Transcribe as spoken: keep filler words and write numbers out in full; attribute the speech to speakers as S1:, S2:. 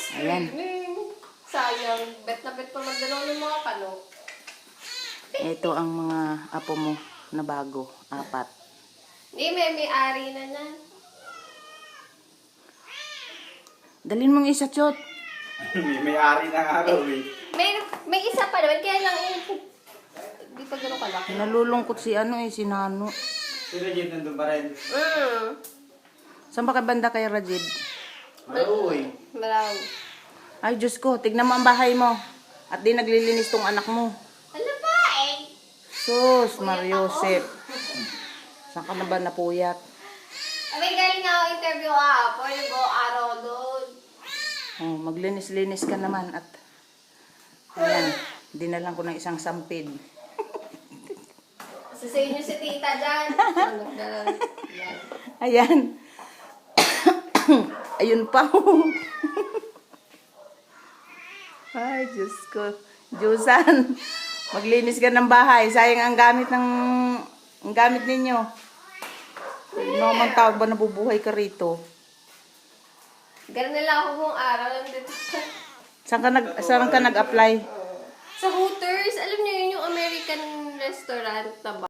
S1: Ayan.
S2: Sayang. Bet na bet pa magdalaw ng mga kano.
S1: Ito ang mga apo mo na bago. Apat.
S2: Hindi, may may-ari na na.
S1: Dalin mong isa, Chot.
S3: may may-ari ng araw eh.
S2: May, may isa pa naman, kaya lang eh. Hindi pa gano'n kalaki.
S1: Nalulungkot si ano eh, si Nano.
S3: Si Regit nandun pa rin.
S2: Mm.
S1: Saan ba ka banda kay Rajid?
S3: Malaw eh.
S2: Malaw.
S1: Ay, Diyos ko, tignan mo ang bahay mo. At di naglilinis tong anak mo.
S2: Ano ba eh?
S1: Sus, Mariosep. Saan ka na ba napuyat?
S2: Abay, galing nga ako interview ah. Pwede ko araw doon.
S1: Oh, maglinis-linis ka naman at ayan, dinalan ko ng isang sampid.
S2: Sa inyo si tita dyan. Ano, dyan.
S1: Ayan. Ayun pa. Ay, Diyos ko. Diyosan, maglinis ka ng bahay. Sayang ang gamit ng ang gamit ninyo. No, man tawag ba nabubuhay ka rito?
S2: Ganun na lang ako buong araw lang dito.
S1: Saan ka nag saan ka nag-apply?
S2: Sa Hooters, alam niyo yun yung American restaurant na ba?